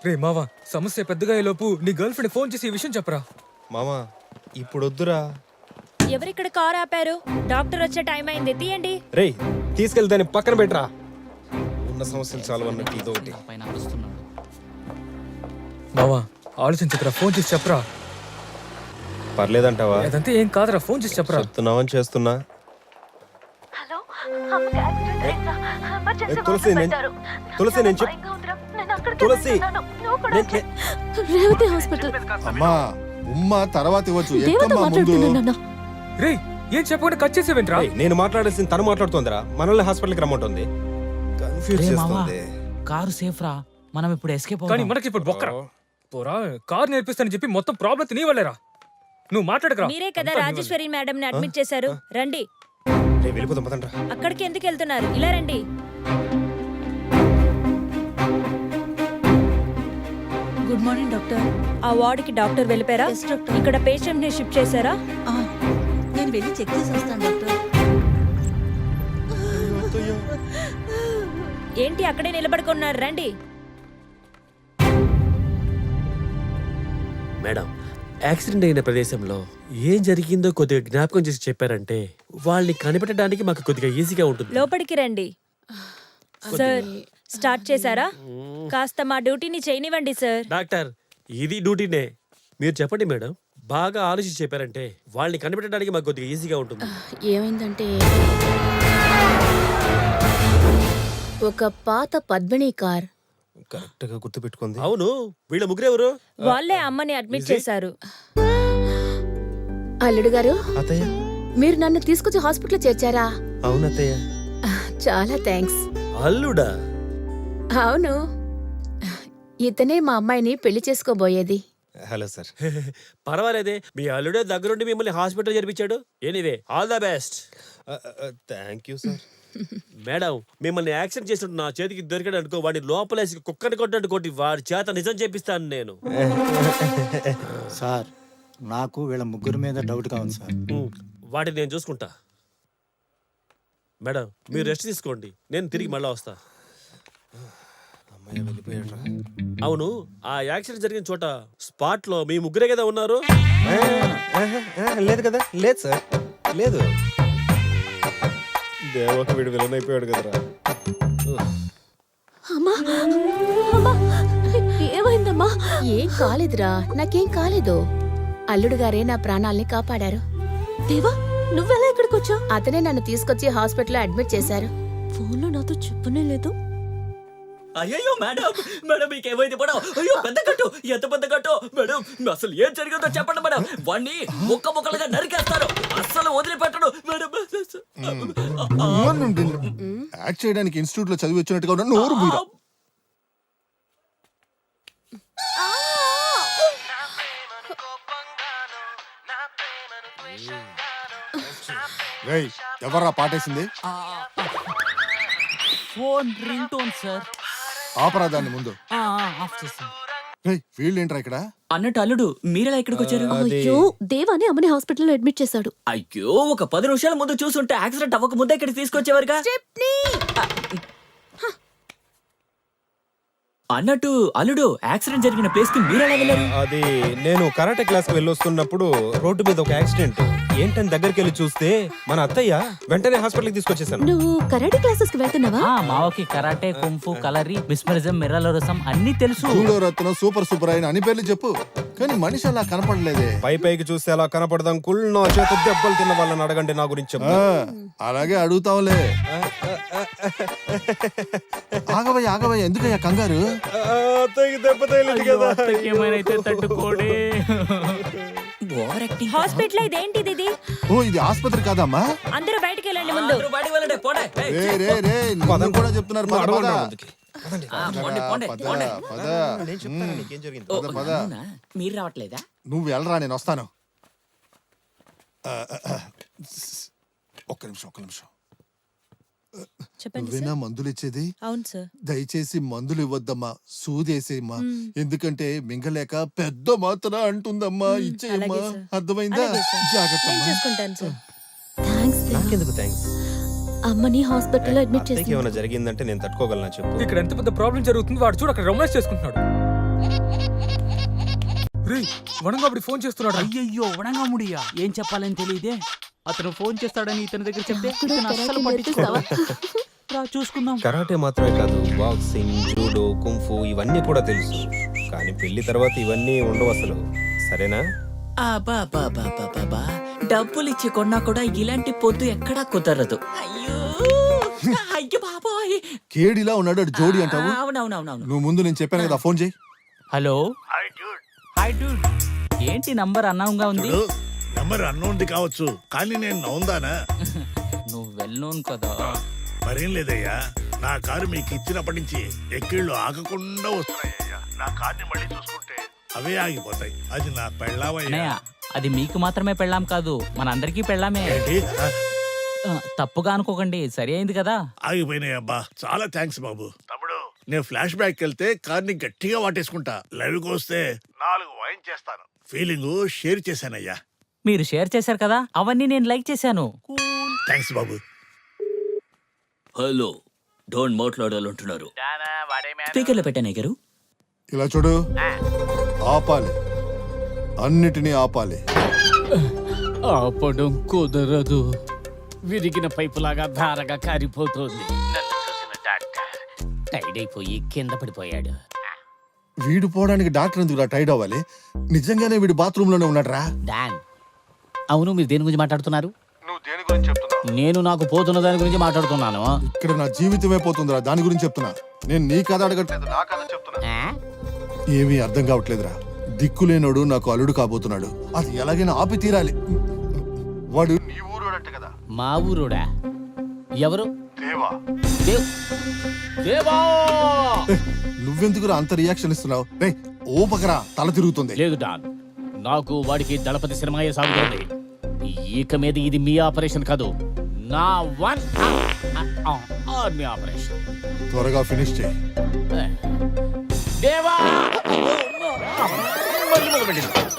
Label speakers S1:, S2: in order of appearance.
S1: రే మావా, సమస్య పెద్దగా అయ్యేలోపు నీ గర్ల్ ఫ్రెండ్ ఫోన్ చేసి ఈ విషయం చెప్పరా.
S2: మామా ఇప్పుడు వద్దురా.
S3: ఎవరిక్కడ కార్ ఆపారు? డాక్టర్ వచ్చే టైం అయింది, తీయండి.
S2: రే తీసుకెళ్తాను పక్కన పెట్టరా. ఉన్న సమస్యలు చాలు అన్నట్టు ఇదో ఒకటి.
S1: మావా ఆలోచించకరా, ఫోన్ చేసి చెప్పరా.
S2: పర్లేదంటావా?
S1: అదంతా ఏం కాదురా, ఫోన్ చేసి చెప్పరా.
S2: చెప్తున్నావని చేస్తున్నా. తులసి తులసి నేను తులసి
S4: రేవతి హాస్పిటల్.
S5: అమ్మా ఉమ్మ తర్వాత ఇవ్వచ్చు.
S4: దేవత మాట్లాడుతున్నాను.
S1: రే ఏం చెప్పకుండా కట్ చేసేవేంట్రా.
S2: నేను మాట్లాడాల్సింది తను మాట్లాడుతోందిరా. మనల్ని హాస్పిటల్కి రమ్మంటుంది. కన్ఫ్యూజ్ చేస్తుంది.
S6: కారు సేఫ్ రా, మనం ఇప్పుడు ఎస్కేప్
S1: కానీ మనకి ఇప్పుడు బొక్కరా. పోరా, కార్ నేర్పిస్తానని చెప్పి మొత్తం ప్రాబ్లం నీ వల్లేరా. నువ్వు మాట్లాడకరా.
S3: మీరే కదా రాజేశ్వరి మేడం ని అడ్మిట్ చేశారు. రండి.
S2: వెళ్ళిపోతాం పదండ్రా.
S3: అక్కడికి ఎందుకు వెళ్తున్నారు? ఇలా రండి.
S4: Good morning doctor.
S3: ఆ వార్డ్ కి డాక్టర్ వెళ్ళిపోయారా? ఇక్కడ పేషెంట్ ని షిఫ్ట్ చేశారా?
S4: నేను వెళ్ళి చెక్ చేసి వస్తాను డాక్టర్.
S3: ఏంటి అక్కడే నిలబడుకున్నారు? రండి.
S7: మేడం, యాక్సిడెంట్ అయిన ప్రదేశంలో ఏం జరిగిందో కొద్దిగా జ్ఞాపకం చేసి చెప్పారంటే వాళ్ళని కనిపెట్టడానికి మాకు కొద్దిగా ఈజీగా ఉంటుంది.
S3: లోపలికి రండి. సార్ స్టార్ట్ చేశారా? కాస్త మా డ్యూటీని చేయనివ్వండి సార్.
S7: డాక్టర్ ఇది డ్యూటీనే. మీరు చెప్పండి మేడం, బాగా ఆలోచించి చెప్పారంటే వాళ్ళని కనిపెట్టడానికి మాకు కొద్దిగా ఈజీగా ఉంటుంది.
S4: ఏమైందంటే ఒక పాత పద్మిని కార్.
S2: కరెక్ట్ గా గుర్తు పెట్టుకుంది.
S7: అవును, వీళ్ళ ముగ్గురెవరు?
S3: వాళ్ళే అమ్మని అడ్మిట్ చేశారు.
S4: అల్లుడు గారు,
S2: అత్తయ్య.
S4: మీరు నన్ను తీసుకొచ్చి హాస్పిటల్ చేర్చారా?
S2: అవును అత్తయ్య.
S4: చాలా థ్యాంక్స్.
S7: అల్లుడా?
S4: అవును, ఇతనే మా అమ్మాయిని పెళ్లి చేసుకోబోయేది.
S2: Hello sir.
S7: పర్వాలేదే, మీ అల్లుడే దగ్గరుండి మిమ్మల్ని హాస్పిటల్ చేర్పించాడు. Anyway all the best.
S2: Thank you sir.
S7: Madam, మిమ్మల్ని యాక్సిడెంట్ చేసినట్టు నా చేతికి దొరికాడు అనుకో, వాడిని లోపలేసి కుక్కని కొట్టినట్టు కొట్టి వాడి చేత నిజం చేపిస్తాను నేను.
S8: సార్ నాకు వీళ్ళ ముగ్గురు మీద డౌట్గా ఉంది సార్.
S7: వాటిని నేను చూసుకుంటా. మేడం మీరు రెస్ట్ తీసుకోండి, నేను తిరిగి మళ్ళా వస్తా.
S2: అమ్మాయి వెళ్ళిపోయాడు.
S7: అవును, ఆ యాక్సిడెంట్ జరిగిన చోట స్పాట్ లో మీ ముగ్గురే కదా ఉన్నారు?
S2: లేదు కదా. లేదు సార్, లేదు. దేవక వీడు విలన్ అయిపోయాడు కదరా.
S4: అమ్మా అమ్మా, ఏమైందమ్మా? ఏం కాలేదురా, నాకేం కాలేదు. అల్లుడు గారే నా ప్రాణాల్ని కాపాడారు. దేవా, నువ్వెలా ఇక్కడికి వచ్చావు? అతనే నన్ను తీసుకొచ్చి హాస్పిటల్లో అడ్మిట్ చేశారు. ఫోన్లో నాతో చెప్పనే లేదు.
S6: అయ్యో మేడం, మేడం మీకేమైంది మేడం? అయ్యో పెద్ద కట్టు, ఎంత పెద్ద కట్టు మేడం? అసలు ఏం జరిగిందో చెప్పండి మేడం. వాణ్ణి ముక్కలుగా నరికేస్తారు, అస్సలు వదిలిపెట్టడు మేడం.
S5: యాక్ట్ చేయడానికి ఇన్స్టిట్యూట్ లో చదివి వచ్చినట్టుగా ఉన్న నోరు మీరా. రేయ్, ఎవర్రా పాటేసింది?
S6: Phone ring tone sir.
S5: ఆపరాదాన్ని ముందు.
S6: ఆఫ్ చేస్తాను.
S5: రేయ్, వీళ్ళేంట్రా ఇక్కడ?
S6: అన్నట్టు అల్లుడు మీరెలా ఇక్కడికి వచ్చారు?
S4: అయ్యో, దేవాని అమ్మని హాస్పిటల్లో అడ్మిట్ చేశాడు.
S6: అయ్యో, ఒక 10 నిమిషాల ముందు చూసుంటే యాక్సిడెంట్ అవ్వక ముందే ఇక్కడికి తీసుకొచ్చేవారుగా. అన్నట్టు అల్లుడు, యాక్సిడెంట్ జరిగిన ప్లేస్ కి మీరెలా వెళ్ళారు?
S2: అది నేను కరాటే క్లాస్ కి వెళ్ళొస్తున్నప్పుడు రోడ్డు మీద ఒక యాక్సిడెంట్ ఏంటని దగ్గరికి వెళ్ళి చూస్తే మన అత్తయ్య వెంటనే హాస్పిటల్కి తీసుకొచ్చేసాను.
S4: నువ్వు కరాటే క్లాసెస్ కి వెళ్తున్నావా?
S6: మావకి కరాటే, కుంఫు, కలరీ, మిస్మరిజం, మిర్రలోరసం అన్ని తెలుసు.
S5: రత్నం, సూపర్ సూపర్ అయిన అని పేర్లు చెప్పు, కానీ మనిషి అలా కనపడలేదే.
S2: పైకి చూస్తే అలా కనపడదాం. కుళ్ళ చేత దెబ్బలు తిన్న వాళ్ళని అడగండి నా గురించి.
S5: అలాగే అడుగుతావులే. ఆగవయ్య ఆగవయ్య, ఎందుకయ్యా కంగారు?
S2: దెబ్బ తగిలింది కదా.
S3: హాస్పిటల్ ఇదేంటిది? ఇది
S5: ఓ, ఇది ఆస్పత్రి కాదమ్మా.
S3: అందరూ బయటికి వెళ్ళండి ముందు.
S5: రే రే రే, నువ్వు కూడా చెప్తున్నారు. పద, పద.
S2: నేను చెప్తాను నీకేం జరిగింది.
S5: పద, పద.
S6: మీరు రావట్లేదా?
S5: నువ్వు వెళ్ళరా, నేను వస్తాను. ఒక్క నిమిషం.
S3: చెప్పండి
S5: నువ్వేనా మందులు ఇచ్చేది?
S3: అవును సార్.
S5: దయచేసి మందులు ఇవ్వద్దమ్మా, సూదేసేయమ్మా. ఎందుకంటే మింగలేక పెద్ద మాత్ర అంటుందమ్మా. ఇచ్చేయమ్మా,
S3: అలాగే సార్.
S5: అర్థమైందా?
S3: అలాగే సార్.
S5: జాగ్రత్త.
S3: నేను చూసుకుంటాను సార్.
S4: థాంక్స్ దేవా.
S2: నాకెందుకు థ్యాంక్స్?
S4: అమ్మని హాస్పిటల్లో అడ్మిట్
S2: అత్తయ్యకి
S4: చేశారు.
S2: ఏమైనా జరిగిందంటే నేను తట్టుకోగలనా చెప్పు.
S1: ఇక్కడ ఎంత పెద్ద ప్రాబ్లం జరుగుతుంది, వాడు చూడు అక్కడ రొమాన్స్ చేసుకుంటున్నాడు. రే వనంగా అప్పుడు ఫోన్ చేస్తున్నాడు.
S9: అయ్యయ్యో వడంగా ముడియా ఏం చెప్పాలని తెలియదే. అతను ఫోన్ చేస్తాడని ఇతని దగ్గర చెప్తే ఇతను అస్సలు పట్టించుకోవా. రా చూసుకుందాం.
S2: కరాటే మాత్రమే కాదు, బాక్సింగ్, జూడో, కుంఫు ఇవన్నీ కూడా తెలుసు. కానీ పెళ్లి తర్వాత ఇవన్నీ ఉండవు అసలు. సరేనా?
S6: అబ్బా డబ్బులు ఇచ్చి కొన్నా కూడా ఇలాంటి పొద్దు ఎక్కడా కుదరదు. అయ్యో అయ్యో బాబోయ్.
S5: కేడిలా ఉన్నాడు అటు జోడి అంటావు.
S6: అవునవునవునవును.
S5: నువ్వు ముందు నేను చెప్పాను కదా, ఫోన్ చేయి.
S9: Hello hi dude. ఏంటి నంబర్ అన్నంగా ఉంది?
S10: నెంబర్ అన్నోంది కావచ్చు, కానీ నేను నవ్వుందానా?
S9: నువ్వు వెళ్ళోను కదా.
S10: మరేం లేదయ్యా, నా కారు మీకు ఇచ్చినప్పటి నుంచి ఎక్కిళ్ళు ఆగకుండా వస్తున్నాయ్యా. నా కార్ని మళ్ళీ చూసుకుంటే అవే ఆగిపోతాయి. అది నా పెళ్ళామయ్యా.
S9: అన్నయ్య, అది మీకు మాత్రమే పెళ్ళాం కాదు, మన అందరికీ పెళ్ళామే.
S10: ఏంటి?
S9: తప్పుగా అనుకోకండి, సరి అయింది కదా.
S10: ఆగిపోయినాయి అబ్బా, చాలా థ్యాంక్స్ బాబు. తమ్ముడు, నేను ఫ్లాష్ బ్యాక్ వెళ్తే కార్ని గట్టిగా వాటేసుకుంటా. లైవ్కి వస్తే 4 వైన్ చేస్తాను. ఫీలింగ్ షేర్ చేశానయ్యా.
S9: మీరు షేర్ చేశారు కదా, అవన్నీ నేను లైక్ చేశాను.
S10: థ్యాంక్స్ బాబు.
S6: హలో, డోంట్ మాట్లాడాలంటున్నారు. స్పీకర్లో పెట్టానే గారు.
S5: ఇలా చూడు, ఆపాలి, అన్నిటినీ ఆపాలి.
S9: ఆపడం కుదరదు. విరిగిన పైపులాగా ధారగా కారిపోతుంది. నన్ను చూసిన డాక్టర్ టైడ్ అయిపోయి కింద పడిపోయాడు.
S5: వీడు పోవడానికి డాక్టర్ ఎందుకు టైడ్ అవ్వాలి? నిజంగానే వీడు బాత్రూమ్ లోనే ఉన్నాడు రా.
S9: డాన్, అవును మీరు దేని గురించి మాట్లాడుతున్నారు?
S5: నువ్వు దేని గురించి చెప్తున్నావు?
S9: నేను నాకు పోతున్న దాని గురించి మాట్లాడుతున్నాను.
S5: ఇక్కడ నా జీవితమే పోతుందిరా, దాని గురించి చెప్తున్నా. నేను నీ కథ అడగట్లేదు, నా కథ చెప్తున్నా. ఏమీ అర్థం కావట్లేదురా. దిక్కులేనోడు నాకు అల్లుడు కాబోతున్నాడు. అది ఎలాగైనా ఆపి తీరాలి. వాడు నీ ఊరోడంట కదా.
S9: మా ఊరుడా? ఎవరు?
S5: దేవా.
S9: దేవా!
S5: నువ్వెందుకురా అంత రియాక్షన్ ఇస్తున్నావు? రే ఓపకరా, తల తిరుగుతుంది.
S9: లేదు డాన్, నాకు వాడికి దళపతి సినిమాయే సాగుతుంది. ఇక మీద ఇది మీ ఆపరేషన్ కాదు, నా ఆర్మీ ఆపరేషన్.
S5: త్వరగా ఫినిష్ చేయి.
S9: దేవా!